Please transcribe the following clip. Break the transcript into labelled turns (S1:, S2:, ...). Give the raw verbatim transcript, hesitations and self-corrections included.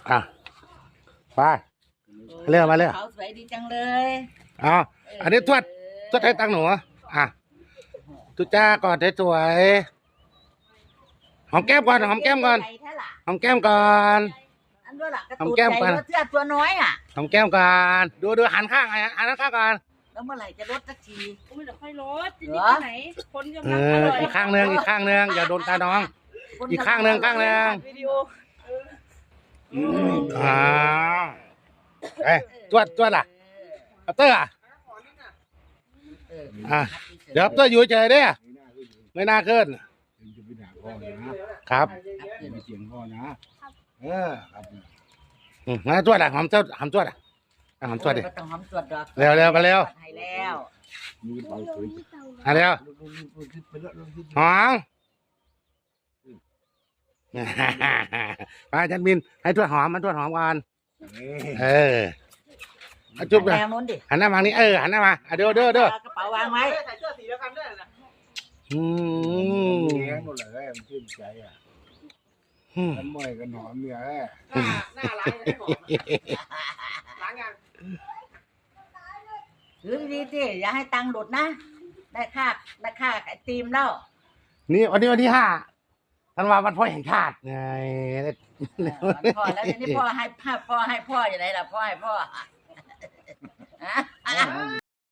S1: อ่ะไปเร็วมาเร็ว
S2: เขาสวยดีจังเลย
S1: อ๋ออันนี้ทวดทวดให้ตังค์หนูอ่ะทุจ้าก่อนสวยๆหอมแก้มก่อนหอมแก้มก่อนหอมแก้มก่อน
S2: อันด้วยล่ะกระ
S1: หอม
S2: ตูด
S1: แก้ม
S2: ใหญ่
S1: ก่อน
S2: รถเสื้อตัวน้อยอ่ะ
S1: หอมแก้มก่อนดูดูหันข้างหันข้างก่อน
S2: แล้วเมื่อไหร่จะลดสักที
S3: อุ้ยเดี๋ยวค่อยลดทีนี้ไปไหนคนกำ
S1: เอ
S3: ลังอ
S1: อ
S3: ร่อย
S1: อีกข้างหนึ่งอีกข้างหนึ่งอย่าโดนตาน้อง
S2: คน
S1: อีกข้างหนึ่งข้างหนึ่ง
S3: วิดีโอ
S1: อ่าเอ้ยจวดจวดอ่ะอัปเตอร์อ่ะ
S2: เออ
S1: อ่ะเดี๋ยวอัปเตอร์อยู่เฉยๆเด้อไม่น่าขึ้น
S4: จะไปด่าพ่อนะครับ อย่าไปเสียงพ่อนะเออครับ
S1: อืมมาจวดอ่ะหอมจวดหอมจวดอ่ะอ่ะหอมจวดดิ
S2: ก็ต้องหอมตรวจดอก
S1: เร็วเร็วไปเร็ว
S2: ให้แล้ว
S4: มีเบาสวย
S1: อ่ะเร็ว
S4: ไปแล้วลงที่
S1: หอมไปจันบินให้ทวดหอมมันทวดหอมก่อนเออเอาจุ๊บ
S2: แน
S1: เลย
S2: วนู้นดิ
S1: หันหน้ามานี่เออหันหน้ามาอ่ะเด้อเด้อเด้อ
S2: เอากระเป๋าวางไว้
S3: ใส่เสื้อสีเดียวกันด้วยนะ
S1: อืม
S4: เลี้ยงหมดเลยมันชื่นใจอ่ะ
S1: อืม
S4: น้ำมันกันหอมเนี่ย
S3: หน้าหน้าร้านจะได้หอมล้างยัง
S2: ถือดีๆสิอย่าให้ตังค์หลุดนะ ได้ค่าได้ค่าไอติมแล้ว
S1: นี่วันนี้วันที่ห้าธันวาวันพ่อแห่งชาติไง
S2: เออวันพ่อแล้วทีนี้พ่อให้พ่อพ่อให้พ่ออยู่ไหนล่ะพ่อให้พ่อฮะ